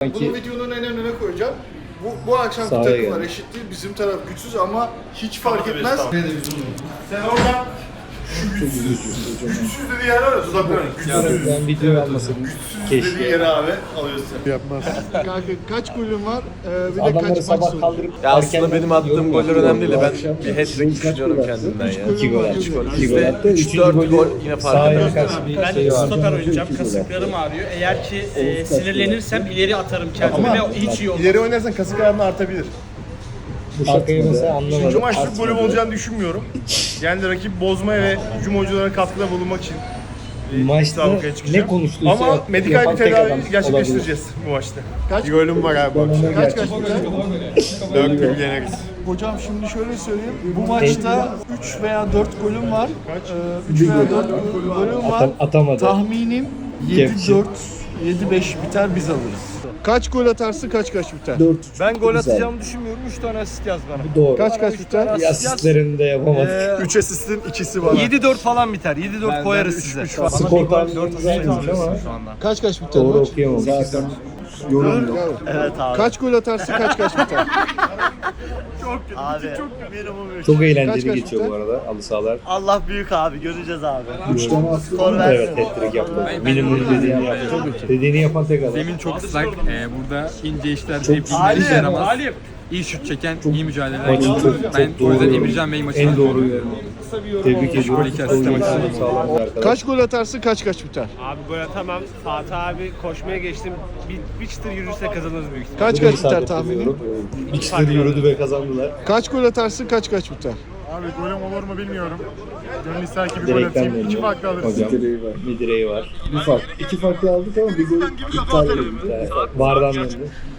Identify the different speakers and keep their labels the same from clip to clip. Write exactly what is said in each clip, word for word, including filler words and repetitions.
Speaker 1: sanki
Speaker 2: bunu videonun en önüne koyacağım. Bu, bu akşamki
Speaker 1: Sahaya
Speaker 2: takımlar
Speaker 1: geldi.
Speaker 2: eşit değil. Bizim taraf güçsüz ama hiç fark
Speaker 3: Tabii,
Speaker 2: etmez.
Speaker 3: tabii.
Speaker 2: Sen oradan şu güçsüz, güçsüz dediği yer var ya, dudaklarını. Güçsüz.
Speaker 1: ben video almasaydım
Speaker 2: Dediği
Speaker 1: keşke.
Speaker 2: yere abi alıyorsun.
Speaker 4: Yapmaz.
Speaker 2: Kanka kaç golün var? Ee, bir de
Speaker 1: Adamları
Speaker 2: kaç maç
Speaker 1: sabah
Speaker 2: sonucu?
Speaker 1: kaldırıp
Speaker 5: Ya aslında benim attığım goller önemli değil de ben
Speaker 1: akşam
Speaker 5: bir hat-trick düşünüyorum kendimden ya.
Speaker 1: iki gol attı.
Speaker 2: Üç gol.
Speaker 1: iki gol attı.
Speaker 5: üç
Speaker 1: Üçüncü
Speaker 5: dört
Speaker 1: golü
Speaker 5: gol yine fark
Speaker 1: sahaya
Speaker 5: eder.
Speaker 1: karşı bir
Speaker 6: Ben
Speaker 1: şey var.
Speaker 6: stoper oynayacağım, kasıklarım ağrıyor. Eğer ki e, sinirlenirsem ileri atarım kendimi
Speaker 3: Ama
Speaker 6: ve hiç iyi olmaz.
Speaker 3: İleri oynarsan kasık ağrının artabilir.
Speaker 1: Bu şakayı mesela anlamadım.
Speaker 3: Üçüncü maçta
Speaker 1: Artmadı.
Speaker 3: golüm olacağını düşünmüyorum. Yani rakibi bozmaya ve hücum oyuncularına katkıda bulunmak için
Speaker 1: Maçta
Speaker 3: sabıkaya çıkacağım.
Speaker 1: ne konuştuysa
Speaker 3: Ama
Speaker 1: yap-
Speaker 3: medikal
Speaker 1: yapan
Speaker 3: bir
Speaker 1: tek adam
Speaker 3: tedavi gerçekleştireceğiz bu maçta.
Speaker 2: Kaç
Speaker 3: Bir golüm var abi bu akşam.
Speaker 2: Kaç kaç biter?
Speaker 3: dört bir yeneriz.
Speaker 2: Hocam şimdi şöyle söyleyeyim. Bu maçta üç veya dört golüm var. Ee, üç veya dört golüm var.
Speaker 1: Atam- atamadı.
Speaker 2: Tahminim yedi
Speaker 1: Kepçe.
Speaker 2: dört, yedi beş biter, biz alırız. Kaç gol atarsın, kaç kaç biter?
Speaker 5: Ben gol atacağımı düşünmüyorum. üç tane asist yaz bana.
Speaker 1: Doğru.
Speaker 2: Kaç kaç biter?
Speaker 1: Bir asistlerini de yapamadık.
Speaker 3: üç asistin ikisi bana.
Speaker 5: yedi dört falan biter. yedi dört koyarız size.
Speaker 1: Skor tahminimiz aynıymış ama
Speaker 5: Şu anda.
Speaker 2: Kaç kaç biter
Speaker 1: doğru
Speaker 2: maç?
Speaker 1: okuyamamış.
Speaker 2: Yorum
Speaker 5: Evet abi.
Speaker 2: Kaç gol atarsın, kaç kaç biter?
Speaker 5: Abi minimum üç.
Speaker 1: Çok eğlenceli
Speaker 2: Kaç kaç
Speaker 1: geçiyor
Speaker 2: biter?
Speaker 1: bu arada halı sahalar.
Speaker 5: Allah büyük abi göreceğiz abi.
Speaker 1: Evet, hat-trick yaptı. Minimum dediğini yaptı. Dediğini yapan tek adam.
Speaker 7: Zemin çok ıslak. Ee, burada ince işler hep işe yaramaz. İyi şut çeken, iyi mücadeleler.
Speaker 1: Maçın çok, çok
Speaker 7: Ben o
Speaker 1: doğru
Speaker 7: yüzden
Speaker 1: yorumu.
Speaker 7: Emircan Bey maçı
Speaker 1: En doğru yorumu. Tebrik ediyorum.
Speaker 7: iki asist demek istedim.
Speaker 1: Sağlam bir arkadaş.
Speaker 2: Kaç gol atarsın, kaç kaç biter?
Speaker 8: Abi gol atamam. Fatih abi koşmaya geçtim. Bir, bir çıtır yürürse kazanırız büyük ihtimalle.
Speaker 2: Kaç
Speaker 1: Bu da
Speaker 2: kaç biter
Speaker 1: isabet
Speaker 2: tahminin?
Speaker 1: ediyorum. İkisi de yürüdü ve kazandılar.
Speaker 2: Kaç gol atarsın, kaç kaç biter?
Speaker 3: Abi golüm olur mu bilmiyorum. Gönül ister ki bir gol
Speaker 1: Direkten
Speaker 3: atayım. İki
Speaker 1: belli.
Speaker 3: farklı alırız.
Speaker 1: Hocam bir direği var.
Speaker 4: Bir fark. İki farklı aldık ama bir gol iptal edildi.
Speaker 1: Vardan döndü.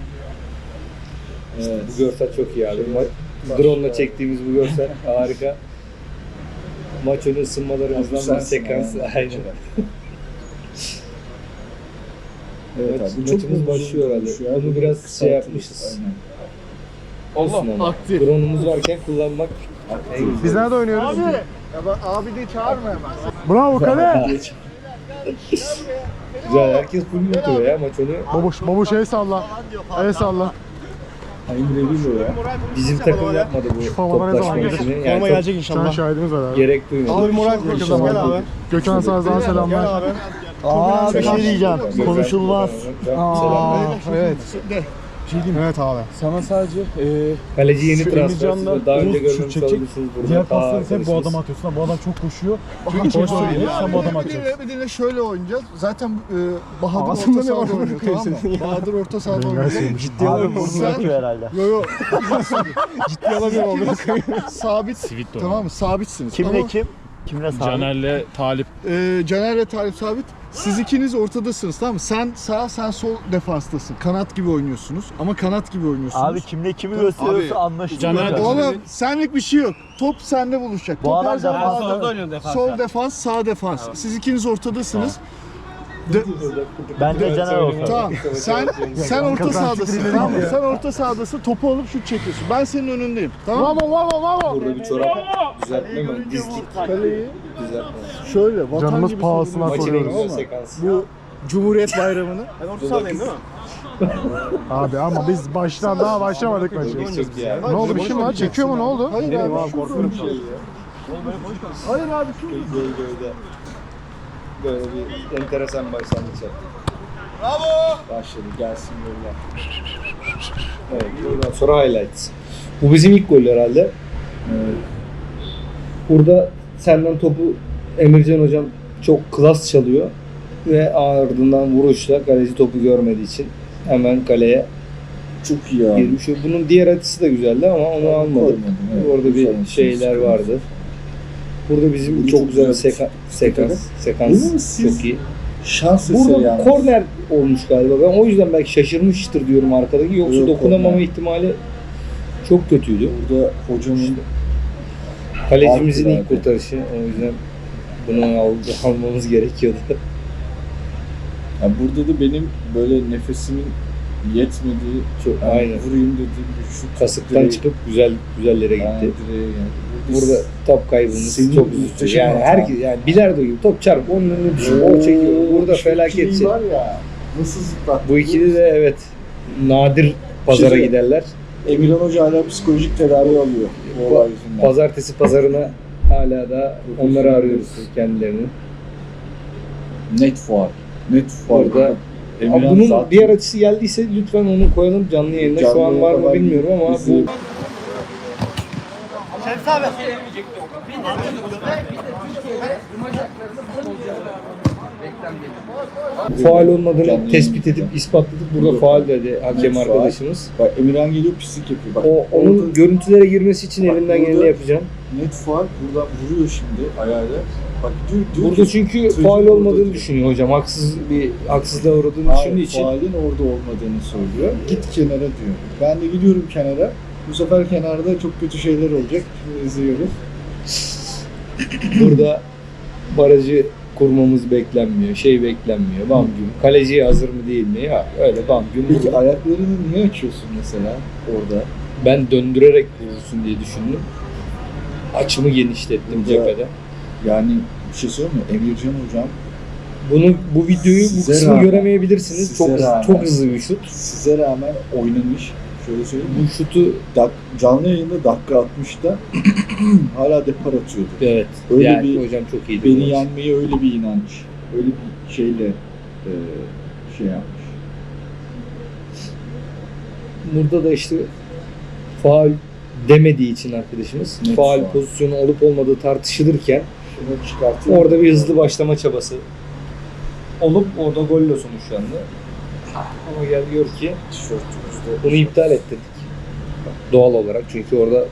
Speaker 1: Evet. Bu görsel çok iyi abi. Ma- Drone'la çektiğimiz bu görsel harika. Maç önü ısınmalarımızdan bir sekans. Aynen.
Speaker 4: Evet
Speaker 1: Maç-
Speaker 4: abi. bu çok
Speaker 1: maçımız
Speaker 4: uzun
Speaker 1: başlıyor herhalde.
Speaker 4: konuşuyor.
Speaker 1: Bunu
Speaker 4: Bunu
Speaker 1: biraz şey
Speaker 4: kısaltırız.
Speaker 1: yapmışız.
Speaker 2: Allah,
Speaker 1: Olsun ama.
Speaker 2: aktif.
Speaker 1: Drone'umuz varken kullanmak en güzel.
Speaker 3: Biz nerede oynuyoruz?
Speaker 2: Abi, ya bak, abi de çağırma hemen.
Speaker 3: Bravo kale.
Speaker 1: Güzel, herkes full yapıyor ya maç önü.
Speaker 3: Babuş, babuş el salla. El salla.
Speaker 4: Aynı revizo ya.
Speaker 1: Bizim takım yapmadı bu
Speaker 3: forma ne zaman
Speaker 1: toplaşma
Speaker 3: gelir?
Speaker 1: işini. Yani çok
Speaker 3: inşallah. şahidimiz var abi.
Speaker 1: gerek duymadım.
Speaker 3: Abi moral kırıkızım gel abi. Gökhan Sazdan selamlar. Gel abi. Aa bir şey diyeceğim. Konuşulmaz. Aa evet. Evet abi.
Speaker 4: Sana sadece e,
Speaker 1: Kaleci yeni
Speaker 4: Şu
Speaker 1: transfer.
Speaker 4: Emircan'la
Speaker 1: Daha önce
Speaker 4: Oğuz
Speaker 1: görmemiş
Speaker 4: şut çekecek.
Speaker 1: olabilirsiniz burada.
Speaker 4: diğer
Speaker 1: Ta
Speaker 4: pasları sen bu
Speaker 1: arkadaşımız.
Speaker 4: adama atıyorsun. Bu adam çok koşuyor. Çünkü içeri söyleyeyim. Sen bu adama
Speaker 2: Bir
Speaker 4: atacaksın.
Speaker 2: dinle, bir dinle şöyle oynayacağız. Zaten e, Bahadır
Speaker 4: Ağzında
Speaker 2: orta
Speaker 4: ne var
Speaker 2: sahada oynuyor, tamam mı? Bahadır orta sahada oynuyor.
Speaker 4: Ciddi alamıyorum.
Speaker 2: Sen,
Speaker 5: herhalde.
Speaker 2: yo yo,
Speaker 4: Ciddi alamıyorum.
Speaker 2: sabit, tamam mı? Sabitsiniz.
Speaker 5: Kimle
Speaker 2: Ama,
Speaker 5: kim? Kimle sağ?
Speaker 7: Caner'le Talip.
Speaker 2: E, Caner ve Talip sabit. Siz ikiniz ortadasınız, tamam mı? Sen sağ, sen sol defanstasın. Kanat gibi oynuyorsunuz. Ama kanat gibi oynuyorsunuz.
Speaker 5: Abi kimle kimi gösteriyorsa anlaşılıyor.
Speaker 7: Caner-
Speaker 2: Oğlum senlik bir şey yok. Top sende buluşacak.
Speaker 5: Bu
Speaker 2: Top
Speaker 5: adam
Speaker 2: her zaman
Speaker 5: defans-
Speaker 2: Bahadır.
Speaker 8: Solda oynuyorum defansta.
Speaker 2: Sol defans, sağ defans. Siz ikiniz ortadasınız.
Speaker 5: Bence Caner olsun.
Speaker 2: Tamam. Sen sen orta sahadasın. Tamam mı? Sen orta sahadasın. Topu alıp şut çekiyorsun. Ben senin önündeyim. Tamam mı?
Speaker 1: Burada bir çorap düzeltme mi? Dizlik
Speaker 2: Kaleyi
Speaker 1: düzeltme.
Speaker 2: şöyle vatan
Speaker 4: Canımız
Speaker 2: gibi
Speaker 4: pahasına
Speaker 2: savunmak.
Speaker 1: Maçın en
Speaker 4: soruyoruz.
Speaker 1: güzel sekansı.
Speaker 2: Bu Cumhuriyet Bayramı'nı.
Speaker 8: Ben orta sahadayım değil mi?
Speaker 4: Abi ama biz baştan daha başlamadık maçı.
Speaker 1: Çok iyi abi.
Speaker 4: Ne oldu bir şey mi var? Çekiyor mu ne oldu?
Speaker 2: Hayır abi.
Speaker 4: korkuyorum.
Speaker 2: Hayır abi şu.
Speaker 1: Göl gölde. Böyle bir enteresan başlangıç yaptık.
Speaker 4: Başladı gelsin goller.
Speaker 1: Evet, buradan sonra highlights. Bu bizim ilk gol herhalde. Evet. Burada senden topu Emircan hocam çok klas çalıyor ve ardından vuruşla kaleci topu görmediği için hemen kaleye
Speaker 4: Çok iyi abi.
Speaker 1: girmiş. Bunun diğer açısı da güzeldi ama onu almadık.
Speaker 4: Koymadım, evet.
Speaker 1: Orada bir
Speaker 4: Güzel,
Speaker 1: şeyler
Speaker 4: sıkıntı.
Speaker 1: vardı. Burada bizim
Speaker 4: Bu
Speaker 1: çok,
Speaker 4: çok
Speaker 1: güzel bir
Speaker 4: güzel.
Speaker 1: seka- sekans,
Speaker 4: Değil
Speaker 1: sekans
Speaker 4: mi? Siz-
Speaker 1: çok iyi.
Speaker 4: Şans eseri
Speaker 1: Burada
Speaker 4: yani.
Speaker 1: korner olmuş galiba. Ben o yüzden belki şaşırmıştır diyorum arkadaki. Yoksa
Speaker 4: Yok,
Speaker 1: dokunamama
Speaker 4: korner.
Speaker 1: ihtimali çok kötüydü.
Speaker 4: Burada hocanın
Speaker 1: Kalecimizin
Speaker 4: Harikulade.
Speaker 1: ilk kurtarışı. O yüzden bunu al- almamız gerekiyordu.
Speaker 4: yani burada da benim böyle nefesimin yetmediği,
Speaker 1: Çok
Speaker 4: yani
Speaker 1: aynen.
Speaker 4: vurayım dediğim bir şut.
Speaker 1: Kasıktan
Speaker 4: direği-
Speaker 1: çıkıp güzel güzellere gitti.
Speaker 4: Yani direğe geldi.
Speaker 1: Burada top kaybımız
Speaker 4: Senin
Speaker 1: çok üzücü.
Speaker 4: muhteşem
Speaker 1: Yani
Speaker 4: hata.
Speaker 1: herkes yani bilardo gibi top çarpıp onun önüne düşüyor. O çekiyor. Burada
Speaker 4: Şu
Speaker 1: felaket
Speaker 4: ikiliyi
Speaker 1: şey.
Speaker 4: var ya, nasıl zıplattı?
Speaker 1: Bu ikili de evet nadir pazara
Speaker 2: Şey-
Speaker 1: giderler.
Speaker 2: Emirhan Hoca hala psikolojik tedavi alıyor bu olay yüzünden.
Speaker 1: Pazartesi pazarına hala da onları arıyoruz kendilerini.
Speaker 2: Net fuar. Net fuar.
Speaker 1: Orada
Speaker 2: Emirhan
Speaker 1: Ama bunun
Speaker 2: zaten-
Speaker 1: diğer açısı geldiyse lütfen onu koyalım canlı yayında.
Speaker 2: Canlı
Speaker 1: Şu an var
Speaker 2: yayında
Speaker 1: mı
Speaker 2: ben-
Speaker 1: bilmiyorum ama
Speaker 2: bizi-
Speaker 1: bu faal olmadığını
Speaker 2: Canlı
Speaker 1: tespit edip
Speaker 2: yayında.
Speaker 1: ispatladık. Burada
Speaker 2: Burada
Speaker 1: faal dedi hakem
Speaker 2: Net faal.
Speaker 1: arkadaşımız.
Speaker 2: Bak Emirhan geliyor pislik yapıyor. Bak,
Speaker 1: O onun
Speaker 2: orada
Speaker 1: görüntülere girmesi için
Speaker 2: Bak,
Speaker 1: elimden geleni
Speaker 2: burada-
Speaker 1: yapacağım.
Speaker 2: net faal buradan vuruyor şimdi ayağıyla. Bak diyor, diyor
Speaker 1: Burada
Speaker 2: ki,
Speaker 1: çünkü
Speaker 2: çocuğun
Speaker 1: faal
Speaker 2: orada
Speaker 1: olmadığını
Speaker 2: diyor.
Speaker 1: düşünüyor hocam. Haksız bir haksızlığa uğradığını
Speaker 2: Hayır,
Speaker 1: düşündüğü için.
Speaker 2: faalin orada olmadığını söylüyor. Git kenara diyor. Ben de gidiyorum kenara. Bu sefer kenarda çok kötü şeyler olacak. Şimdi izliyoruz.
Speaker 1: Burada barajı kurmamız beklenmiyor. Şey beklenmiyor. Bam güm. Kaleci hazır mı değil mi? Ya öyle bam güm.
Speaker 2: Peki
Speaker 1: vurdu.
Speaker 2: ayaklarını niye açıyorsun mesela orada?
Speaker 1: Ben döndürerek vurursun diye düşündüm. Açımı genişlettim
Speaker 2: Burada-
Speaker 1: cephede.
Speaker 2: Yani bir şey söyleyeyim mi? Emircan hocam
Speaker 1: Bunu bu videoyu bu
Speaker 2: Size
Speaker 1: kısmı
Speaker 2: rağmen-
Speaker 1: göremeyebilirsiniz.
Speaker 2: size
Speaker 1: Çok hızlı,
Speaker 2: rağmen-
Speaker 1: çok hızlı bir şut.
Speaker 2: size rağmen oynamış. Şöyle söyleyeyim mi?
Speaker 1: Bu şutu
Speaker 2: Dak, canlı yayında dakika altmışta hala depar atıyordu.
Speaker 1: evet.
Speaker 2: Öyle
Speaker 1: yani
Speaker 2: bir-
Speaker 1: hocam çok iyiydi.
Speaker 2: Beni
Speaker 1: bu maç.
Speaker 2: yenmeye öyle bir inanç, öyle bir şeyle e, şey yapmış.
Speaker 1: Burada da işte faul demediği için arkadaşımız
Speaker 2: Net
Speaker 1: faul
Speaker 2: faul.
Speaker 1: pozisyonu olup olmadığı tartışılırken
Speaker 2: Şunu çıkartıyor.
Speaker 1: orada bir hızlı başlama çabası olup orada golle sonuçlandı. Ama gel gör ki
Speaker 2: Tişörtümüzde.
Speaker 1: bunu iptal ettirdik. Doğal olarak çünkü orada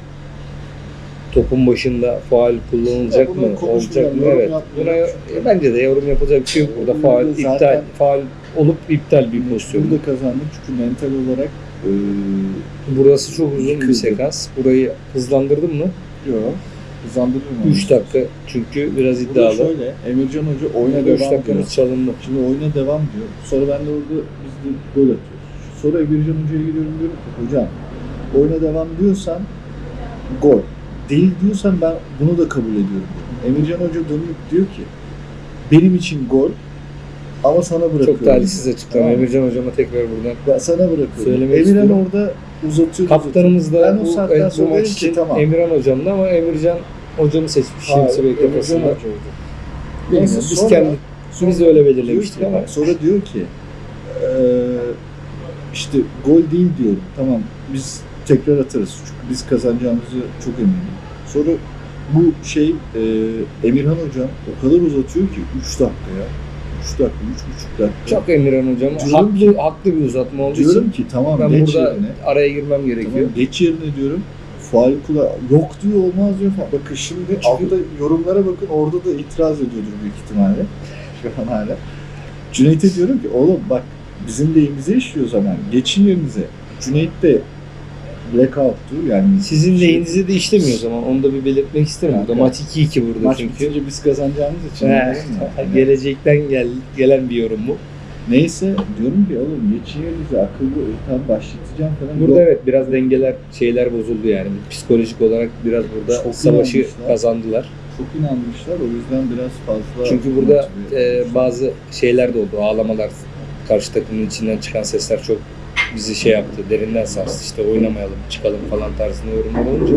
Speaker 1: topun başında faul kullanılacak
Speaker 2: Ya bunu
Speaker 1: mı,
Speaker 2: konuşmayalım,
Speaker 1: olacak mı?
Speaker 2: yorum
Speaker 1: Evet. Buna
Speaker 2: yapmayalım.
Speaker 1: e, bence de yorum yapacak bir şey yok burada. Faul
Speaker 2: Burada
Speaker 1: iptal,
Speaker 2: zaten-
Speaker 1: faul olup iptal bir pozisyon.
Speaker 2: Burada kazandık çünkü mental olarak e,
Speaker 1: Burası çok uzun bir
Speaker 2: Yıkıldı.
Speaker 1: sekans. Burayı hızlandırdım mı?
Speaker 2: yok. Hızlandırıyorum.
Speaker 1: üç dakika çünkü biraz
Speaker 2: Burada
Speaker 1: iddialı.
Speaker 2: şöyle, Emircan Hoca oyuna
Speaker 1: üç
Speaker 2: devam diyor.
Speaker 1: dakikamız çalındı.
Speaker 2: Şimdi oyuna devam diyor. Sonra ben de orada biz de gol atıyoruz. Sonra Emircan Hoca'ya gidiyorum diyorum ki hocam oyuna devam diyorsan gol. Değil diyorsan ben bunu da kabul ediyorum diyorum. Emircan Hoca dönüp diyor ki benim için gol ama sana bırakıyorum.
Speaker 1: Çok talihsiz açıklama.
Speaker 2: Tamam.
Speaker 1: Emircan hocama tekrar buradan.
Speaker 2: Ben sana bırakıyorum.
Speaker 1: Söylemek
Speaker 2: Emirhan
Speaker 1: istiyorum.
Speaker 2: orada uzatıyor.
Speaker 1: Kaptanımız
Speaker 2: uzatıyor.
Speaker 1: da
Speaker 2: Ben o
Speaker 1: bu,
Speaker 2: saatten
Speaker 1: bu
Speaker 2: sonra
Speaker 1: maç
Speaker 2: dedim ki
Speaker 1: için
Speaker 2: tamam.
Speaker 1: Emirhan hocamdı ama Emircan hocamı seçmiş
Speaker 2: Hayır,
Speaker 1: Şemsi Bey
Speaker 2: Emircan
Speaker 1: kafasında.
Speaker 2: Hoca'ydı.
Speaker 1: Bilmiyorum,
Speaker 2: Neyse,
Speaker 1: biz
Speaker 2: sonra-
Speaker 1: kendi
Speaker 2: Sonra
Speaker 1: biz de öyle
Speaker 2: diyor
Speaker 1: belirlemiştik
Speaker 2: ki-
Speaker 1: ama
Speaker 2: Sonra diyor ki eee işte gol değil diyorum. Tamam biz tekrar atarız. Çünkü biz kazanacağımızı çok eminim. Sonra bu şey eee, Emirhan hocam o kadar uzatıyor ki üç dakika ya. üç dakika, üç buçuk dakika.
Speaker 1: çok Emirhan hocam
Speaker 2: Diyorum
Speaker 1: haklı haklı bir uzatma olduğu
Speaker 2: diyorum
Speaker 1: için
Speaker 2: ki tamam
Speaker 1: ben
Speaker 2: geç
Speaker 1: burada
Speaker 2: yerine.
Speaker 1: araya girmem gerekiyor.
Speaker 2: Tamam, geç yerine diyorum. Faal kula yok diyor olmaz diyor falan. Bakın şimdi altta yorumlara bakın orada da itiraz ediyordur büyük ihtimalle. Şu an hala. Cüneyt'e diyorum ki oğlum bak bizim lehimize işliyor zaman. Geçin yerinize. Cüneyt de blackout diyor yani.
Speaker 1: Sizin
Speaker 2: şey-
Speaker 1: lehinize de işlemiyor o zaman. Onu da bir belirtmek isterim
Speaker 2: Yani,
Speaker 1: burada. Maç iki iki burada
Speaker 2: Maç
Speaker 1: çünkü.
Speaker 2: bitince biz kazanacağımız için.
Speaker 1: Eh,
Speaker 2: anladın mı? Yani
Speaker 1: Gelecekten gel, gelen bir yorum bu.
Speaker 2: Neyse diyorum ki oğlum geçin yerinize akıllı tam başlatacağım falan.
Speaker 1: Burada
Speaker 2: Yok.
Speaker 1: evet biraz dengeler şeyler bozuldu yani. Psikolojik olarak biraz burada
Speaker 2: Çok
Speaker 1: savaşı
Speaker 2: inanmışlar.
Speaker 1: kazandılar.
Speaker 2: Çok inanmışlar o yüzden biraz fazla.
Speaker 1: Çünkü burada
Speaker 2: motive
Speaker 1: e,
Speaker 2: olmuşlar.
Speaker 1: bazı şeyler de oldu. Ağlamalar, karşı takımın içinden çıkan sesler çok bizi şey yaptı, derinden sarstı. İşte oynamayalım, çıkalım falan tarzında yorumlar olunca.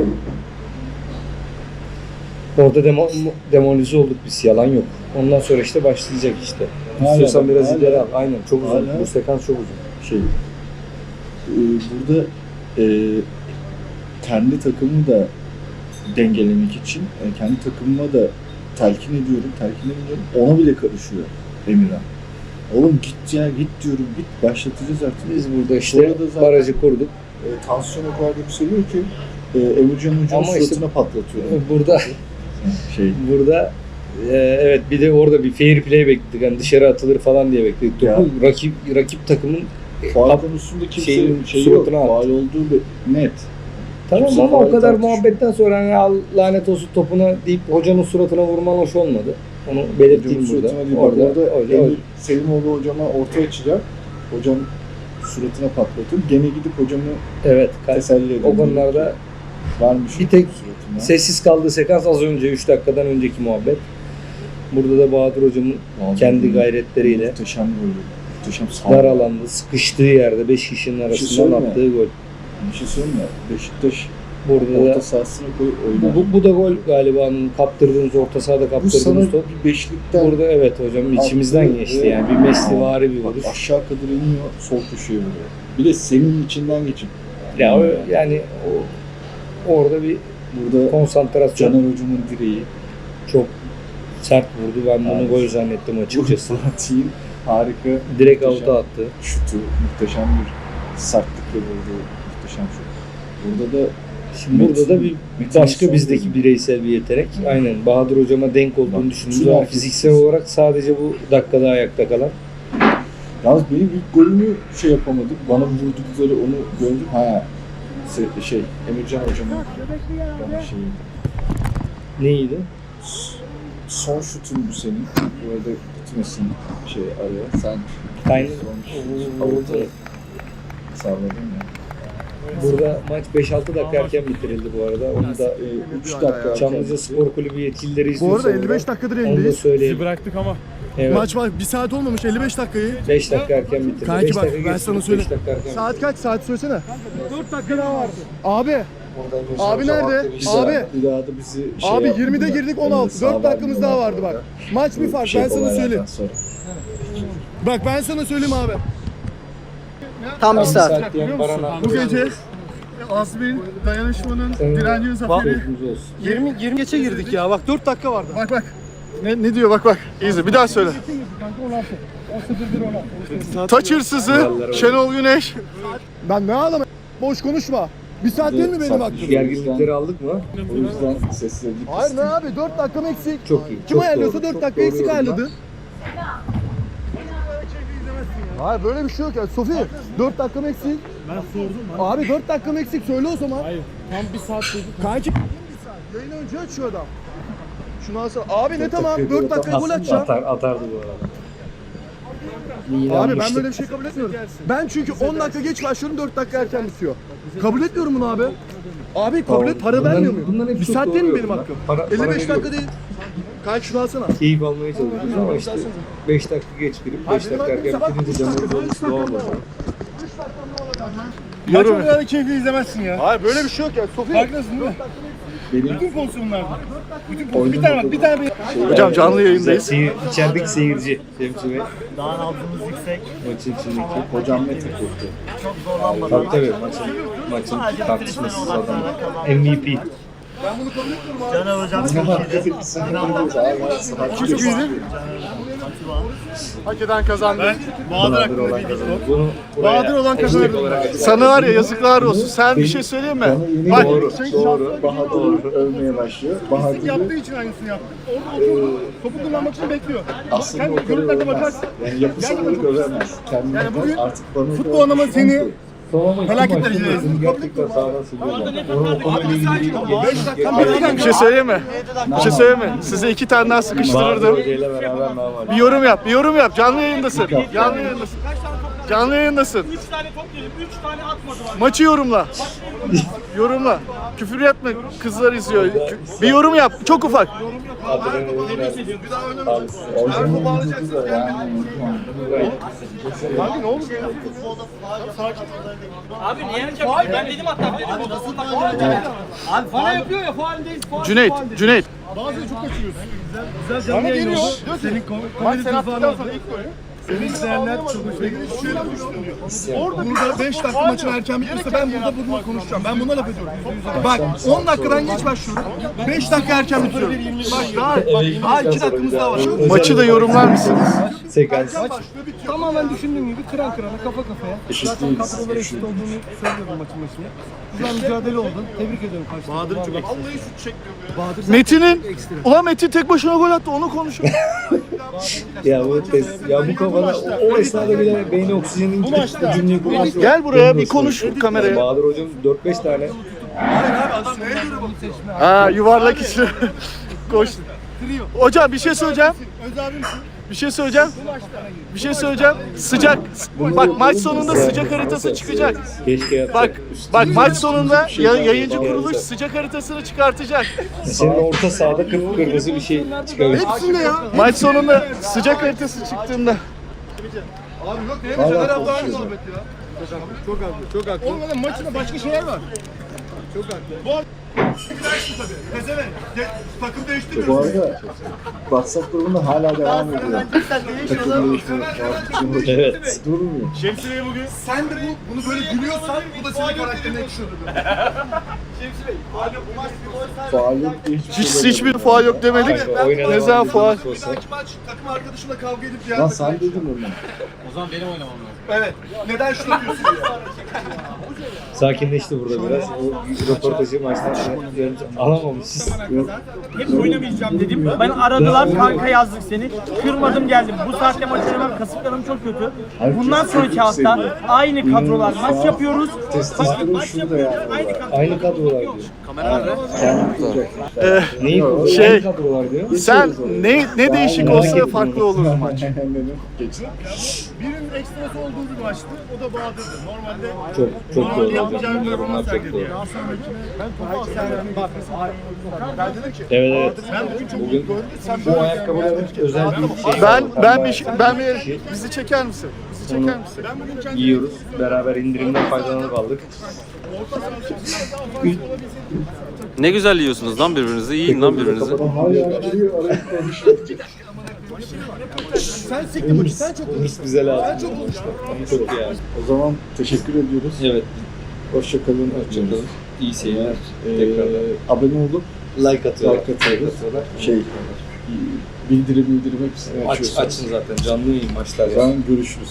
Speaker 1: Orada demo, demolize olduk biz, yalan yok. Ondan sonra işte başlayacak işte.
Speaker 2: Hala
Speaker 1: İstiyorsan
Speaker 2: bak,
Speaker 1: biraz
Speaker 2: hala-
Speaker 1: ileri al. Aynen, çok uzun.
Speaker 2: hala-
Speaker 1: Bu sekans çok uzun.
Speaker 2: şey e, burada e, kendi takımımı da dengelemek için e, kendi takımıma da telkin ediyorum, telkin ediyorum. Ona bile karışıyor Emirhan. Oğlum git ya git diyorum git başlatacağız artık.
Speaker 1: Biz burada işte
Speaker 2: Sonra da zaten-
Speaker 1: barajı kurduk.
Speaker 2: E, tansiyon o kadar yükseliyor ki e, Emircan Hoca'nın
Speaker 1: Ama işte-
Speaker 2: suratına patlatıyor.
Speaker 1: Burada
Speaker 2: Şey
Speaker 1: burada e, evet bir de orada bir fair play bekledik. Hani dışarı atılır falan diye bekledik. Topu
Speaker 2: Ya.
Speaker 1: rakip rakip takımın
Speaker 2: faal
Speaker 1: kap-
Speaker 2: konusunda kimse
Speaker 1: şeyin
Speaker 2: şey yok.
Speaker 1: suratına attı.
Speaker 2: Faal olduğu bir- net.
Speaker 1: Tamam
Speaker 2: Kimse
Speaker 1: ama o
Speaker 2: faul
Speaker 1: kadar
Speaker 2: tartışmıyor.
Speaker 1: muhabbetten sonra hani al lanet olsun topuna deyip hocanın suratına vurman hoş olmadı. Onu belirteyim
Speaker 2: Hocamın
Speaker 1: burada.
Speaker 2: suratına değil.
Speaker 1: Orada,
Speaker 2: Bak orada
Speaker 1: öyle,
Speaker 2: Emir
Speaker 1: öyle.
Speaker 2: Selimoğlu hocama ortaya açacak. Hocam suratına patlatıyor. Gene gidip hocamı
Speaker 1: Evet. ka-
Speaker 2: teselli ediyor.
Speaker 1: O konularda
Speaker 2: varmış
Speaker 1: bir tek
Speaker 2: suratına.
Speaker 1: sessiz kaldığı sekans az önce üç dakikadan önceki muhabbet. Burada da Bahadır hocamın
Speaker 2: Vallahi
Speaker 1: kendi
Speaker 2: böyle
Speaker 1: gayretleriyle
Speaker 2: muhteşem böyle. muhteşem sağlam.
Speaker 1: Dar alanda sıkıştığı yerde beş kişinin arasından
Speaker 2: söyleyeyim mi?
Speaker 1: attığı gol.
Speaker 2: Bir şey söyleyeyim mi? Beşiktaş
Speaker 1: Burada
Speaker 2: orta
Speaker 1: da
Speaker 2: sahasına koyup oynar.
Speaker 1: bu, bu, bu da gol galiba onun kaptırdığımız orta sahada
Speaker 2: Bu sana
Speaker 1: kaptırdığımız top.
Speaker 2: bir beşlikten
Speaker 1: Burada evet hocam içimizden
Speaker 2: Attığı
Speaker 1: geçti
Speaker 2: ve-
Speaker 1: yani bir meslivari bir
Speaker 2: bak,
Speaker 1: vuruş.
Speaker 2: aşağı kadar iniyor, sol köşeye vuruyor. Bir de senin içinden geçip.
Speaker 1: Ya o, yani o, orada bir
Speaker 2: Burada
Speaker 1: konsantrasyon
Speaker 2: Caner Hoca'nın direği.
Speaker 1: çok sert vurdu. Ben bunu
Speaker 2: Evet.
Speaker 1: gol zannettim açıkçası.
Speaker 2: Fatih'in harika
Speaker 1: Direkt
Speaker 2: muhteşem
Speaker 1: avuta attı.
Speaker 2: şutu, muhteşem bir sertlikle vurdu, muhteşem şut. Burada da
Speaker 1: Şimdi burada da bir
Speaker 2: Metin
Speaker 1: başka
Speaker 2: son
Speaker 1: bizdeki
Speaker 2: golü.
Speaker 1: bireysel bir yetenek. Aynen Bahadır hocama denk olduğunu
Speaker 2: Bak,
Speaker 1: düşündüğümüz
Speaker 2: şunu
Speaker 1: ama
Speaker 2: herkes-
Speaker 1: fiziksel olarak sadece bu dakikada ayakta kalan.
Speaker 2: yalnız benim ilk golümü şey yapamadık. Bana vurdukları onu gördüm. Ha se- şey Emircan hocamın bana şeyi.
Speaker 1: Neydi?
Speaker 2: Son şutun bu senin. Bu arada gitmesin şey araya. Sen
Speaker 1: Aynen.
Speaker 2: son avuta sağladın ya.
Speaker 1: Burada maç beş altı dakika erken bitirildi bu arada. Onu da
Speaker 2: üç dakika
Speaker 1: Çamlıca Spor Kulübü yetkilileri
Speaker 4: Bu
Speaker 1: izliyorsa
Speaker 4: arada elli beş dakikadır
Speaker 1: onu da
Speaker 4: yayındayız.
Speaker 1: söyleyelim.
Speaker 7: Bıraktık ama.
Speaker 1: Evet.
Speaker 4: Maç var. Bir saat olmamış elli beş dakikayı.
Speaker 1: beş dakika erken bitirdi.
Speaker 4: Kanki
Speaker 1: beş
Speaker 4: bak,
Speaker 1: dakika
Speaker 4: ben
Speaker 1: geçti,
Speaker 4: sana
Speaker 1: beş
Speaker 4: söyleyeyim.
Speaker 1: dakika erken
Speaker 4: Saat kaç? Saat söylesene. dört dakika daha vardı. Abi.
Speaker 1: bitirdi.
Speaker 4: Abi nerede?
Speaker 2: Bir daha,
Speaker 4: Abi.
Speaker 2: bir daha da bizi şey
Speaker 4: Abi
Speaker 2: yaptılar.
Speaker 4: yirmide girdik on altı.
Speaker 2: Eline
Speaker 4: dört dakikamız
Speaker 2: sağ
Speaker 4: daha
Speaker 2: vermiyorlar
Speaker 4: vardı bak.
Speaker 2: orada.
Speaker 4: Maç bir
Speaker 2: Bu
Speaker 4: fark.
Speaker 2: şey
Speaker 4: Ben sana
Speaker 2: olaylardan
Speaker 4: söyleyeyim.
Speaker 2: sonra.
Speaker 4: Bak ben sana söyleyeyim abi.
Speaker 1: Tam bir saat diyen Baran abi.
Speaker 4: Bu gece Asbin dayanışmanın direncinin zaferi.
Speaker 1: Geçmiş olsun.
Speaker 3: yirmi yirmi geçe girdik ya. Bak dört dakika vardı. Bak bak. Ne, ne diyor bak bak. İzle bir daha söyle. Taç hırsızı Şenol Güneş. Ben ne ağlama. Boş konuşma. Bir saat değil mi benim hakkım?
Speaker 1: Gerginlikleri aldık mı?
Speaker 2: O yüzden sesleri
Speaker 4: Hayır ne abi dört dakikam eksik.
Speaker 1: Çok iyi.
Speaker 4: Kim
Speaker 1: çok
Speaker 4: ayarlıyorsa
Speaker 1: doğru,
Speaker 4: dört
Speaker 1: çok
Speaker 4: dakika
Speaker 1: doğru
Speaker 4: eksik
Speaker 1: yorumlar.
Speaker 4: ayarladı. Hayır böyle bir şey yok ya. Sofi dört dakikam eksik. Ben sordum. Abi dört dakikam eksik söyle o zaman. Hayır tam bir saat dedik. Kanki yayını önce açıyor adam. Şunu alsana. Abi ne tamam dört dakikaya gol atacağım.
Speaker 1: Atar, atardı bu arada. İyi
Speaker 4: Abi ben
Speaker 1: inanmıştık.
Speaker 4: böyle bir şey kabul etmiyorum. Ben çünkü on dakika geç başlıyorum dört dakika erken bitiyor. Kabul etmiyorum bunu abi. Abi kabul et para
Speaker 1: Bunların-
Speaker 4: vermiyor muyum?
Speaker 1: bunların hepsi
Speaker 4: Bir
Speaker 1: çok
Speaker 4: saat
Speaker 1: doğru
Speaker 4: değil mi benim
Speaker 1: yorumlar.
Speaker 4: hakkım?
Speaker 1: Para- para
Speaker 4: elli beş
Speaker 1: veriyorum.
Speaker 4: dakika değil. Kanki şunu alsana.
Speaker 1: Keyif almaya çalışıyoruz ama işte beş dakika geç girip beş dakika erken bitirince canımız olması doğal olur.
Speaker 4: Yorum. Maç keyifli izlemezsin ya. Hayır böyle bir şey yok ya. Sofi. Farkındasın değil mi?
Speaker 2: Benim
Speaker 4: Bütün pozisyonlarda. Bütün
Speaker 2: Oynamadığım-
Speaker 4: bir tane bak bir tane bir...
Speaker 3: Hocam canlı yayındayız.
Speaker 1: Seyir, içerideki seyirci Şemsi Bey
Speaker 5: Daha nabzımız yüksek.
Speaker 1: maçın içindeki.
Speaker 2: hocam ne tuttu?
Speaker 5: Çok zorlanmadan.
Speaker 1: Tabii tabii maçın, maçın tartışmasız adam. M V P.
Speaker 5: Caner hocam çok iyiydi.
Speaker 4: Çok iyiydi. Hak eden kazandı.
Speaker 1: Bahadır olan kazanır. Bunu
Speaker 4: Bahadır
Speaker 1: buraya
Speaker 4: olan
Speaker 1: eşlik
Speaker 4: kazanır.
Speaker 1: olarak
Speaker 3: Sana var ya yazıklar olsun. Sen bir şey söyleyeyim mi?
Speaker 2: Bana yeni
Speaker 3: Bak,
Speaker 2: doğru,
Speaker 4: şey-
Speaker 2: doğru. Bahadır'ı övmeye başlıyor. Bahadır'ı
Speaker 4: Yaptığı için aynısını yaptı. Orada oturdu. Topu kullanmak için bekliyor.
Speaker 2: aslında
Speaker 4: Kendi
Speaker 2: o kadar
Speaker 4: görüntülerde
Speaker 2: övmez.
Speaker 4: bakarsın.
Speaker 2: Yani yapısal olarak övemez. Kendini
Speaker 4: Yani bugün
Speaker 2: artık bana
Speaker 4: futbol oynama seni
Speaker 1: Felaket
Speaker 4: derecede
Speaker 1: gerçekten sağdan siliyorlar. Onu onunla ilgili bir
Speaker 3: Bir şey söyleyeyim mi? Bir şey söyleyeyim mi? Size iki tane daha sıkıştırırdım.
Speaker 1: Hocayla beraber ne var?
Speaker 3: Bir yorum yap, bir yorum yap. Canlı yayındasın. Canlı yayındasın. Canlı yayındasın.
Speaker 6: üç tane top gelip üç tane atmadılar.
Speaker 3: Maçı yorumla. Yorumla. Küfür etme. Kızlar izliyor. Bir yorum yap. Çok ufak.
Speaker 2: Hocamın vücudu da yani.
Speaker 4: Abi ne oldu ya?
Speaker 6: Abi niye erken bitti? Ben dedim hatta dedim. Abi faal yapıyor ya faal değil. Faal
Speaker 3: Cüneyt, Cüneyt.
Speaker 4: Bazen çok kaçırıyorsun. Güzel Bana geliyor. Senin maç sen attıktan sonra ilk golü. Senin izleyenler çok hoşuna gidiyor. Orada burada beş dakika maçın erken bitmişse ben burada bunu konuşacağım. Ben buna laf ediyorum. Bak on dakikadan geç başlıyorum. beş dakika erken bitiriyorum. Bak daha, bak, daha iki dakikamız daha var.
Speaker 3: Maçı da yorumlar mısınız?
Speaker 1: Sekans.
Speaker 4: Tamamen düşündüğüm gibi kıran kırana, kafa kafaya. Zaten kadrolara eşit olduğunu söylüyordum maçın başında. Güzel mücadele oldu. Tebrik ediyorum karşılaşma. Bahadır çok ekstra. Vallahi şut çekmiyor. Bahadır
Speaker 3: Metin'in, ulan Metin tek başına gol attı, onu konuşun.
Speaker 1: Ya bu test, ya bu kafada o, o esnada bile beyni oksijenin gidip bu cümleyi kurması.
Speaker 3: Gel buraya bir konuş kameraya.
Speaker 1: Bahadır hocam dört beş tane
Speaker 4: Hayır abi adam neye göre bunu seçme?
Speaker 3: Ha yuvarlak içi. Koştu. Hocam bir şey söyleyeceğim.
Speaker 4: Öz abimsin.
Speaker 3: Bir şey söyleyeceğim. Bir şey söyleyeceğim. Sıcak. Bak maç sonunda sıcak haritası çıkacak.
Speaker 1: keşke yapsak.
Speaker 3: Bak bak maç sonunda ya- yayıncı kuruluş sıcak haritasını çıkartacak.
Speaker 1: Senin orta sahada kırk kırmızı bir şey çıkabilir.
Speaker 4: Hepsinde ya.
Speaker 3: Maç sonunda sıcak haritası çıktığında.
Speaker 4: Abi yok değil mi?
Speaker 2: Hala
Speaker 4: Caner abi aynı
Speaker 2: konuşuyor.
Speaker 4: muhabbet ya. Çok haklı, çok haklı. Olmadan maçında başka şeyler var. Çok haklı. Bu arada gidersin tabii. Pezevenk. Ge- Takım değiştirmiyoruz.
Speaker 2: Bu arada WhatsApp grubunda hala devam ediyor. Takım değiştiriyor.
Speaker 1: Evet.
Speaker 2: Durmuyor.
Speaker 4: Şemsi bugün. Sen de bu, bunu böyle gülüyorsan bu da senin karakterine yakışıyordur. Şemsi Bey, abi bu maç bir gol sadece.
Speaker 2: Faal yok diye hiçbir şey
Speaker 3: Hiç hiçbir faal yok demedik.
Speaker 1: Kanka, oynanan
Speaker 3: Ne zaman faal?
Speaker 4: Bir dahaki maç takım arkadaşımla kavga edip diğer
Speaker 2: Lan
Speaker 4: takıma-
Speaker 2: sen dedin onu.
Speaker 4: Evet. Neden şunu diyorsun ya?
Speaker 1: Sakinleşti burada biraz. O röportajı maçtan sonra alamamışız.
Speaker 2: Yok.
Speaker 6: Hep oynamayacağım dedim. Ben aradılar, kanka yazdık seni. Kırmadım geldim. Bu saatte maç oynamam, kasıklarım çok kötü.
Speaker 2: Hayır,
Speaker 6: Bundan
Speaker 2: çok
Speaker 6: sonraki
Speaker 2: kötü
Speaker 6: hafta
Speaker 2: seviyor.
Speaker 6: aynı kadrolar maç yapıyoruz.
Speaker 2: Testosteron
Speaker 6: Maç
Speaker 2: şurada
Speaker 6: yapıyoruz,
Speaker 2: yani.
Speaker 6: aynı kadrolar.
Speaker 1: Aynı kadrolar diyor.
Speaker 2: Kendini tutacak.
Speaker 1: Neyi koruyor?
Speaker 3: şey-
Speaker 1: Aynı kadrolar diyor.
Speaker 3: Sen ne ne değişik
Speaker 1: Merak
Speaker 3: olsa
Speaker 1: ettim.
Speaker 3: farklı olur maç.
Speaker 2: Geçti.
Speaker 4: Birinin ekstrası olduğu bir maçtı. O da Bahadır'dı. Normalde
Speaker 1: Çok çok
Speaker 4: normalde
Speaker 1: doğru.
Speaker 4: yapacağı bir
Speaker 1: Onlar
Speaker 4: performans
Speaker 1: çok
Speaker 4: sergiledi
Speaker 1: doğru.
Speaker 4: yani. Ben topu alsaydım bak. Ben dedim ki
Speaker 1: Evet evet.
Speaker 4: ben bugün çok
Speaker 1: Bugün
Speaker 4: gördüm. Sen
Speaker 1: bu ayakkabıların özel bir şey
Speaker 3: Ben
Speaker 1: var.
Speaker 3: ben bir ben bir bizi çeker misin? Bizi çeker misin?
Speaker 4: ben bugün kendi
Speaker 1: Giyiyoruz. Beraber indirimden faydalanıp aldık.
Speaker 9: Ne güzel yiyorsunuz lan birbirinizi. Yiyin lan birbirinizi.
Speaker 2: Hala giriyor, arayıp konuşuyor.
Speaker 4: sen siktir maçı. Sen çok
Speaker 1: Hırs güzel abi.
Speaker 4: sen çok konuştun.
Speaker 1: Çok iyi abi.
Speaker 2: O zaman teşekkür ediyoruz.
Speaker 1: Evet.
Speaker 2: Hoşçakalın.
Speaker 1: Hoşçakalın. İyi seyirler.
Speaker 2: Ee,
Speaker 1: Tekrardan.
Speaker 2: abone olup
Speaker 1: Like atıyorlar.
Speaker 2: like atıyoruz. Şey, bildirim bildirim hepsini
Speaker 1: Aç,
Speaker 2: açıyorsunuz.
Speaker 1: açın zaten. Canlı yayın maçlar.
Speaker 2: O zaman görüşürüz.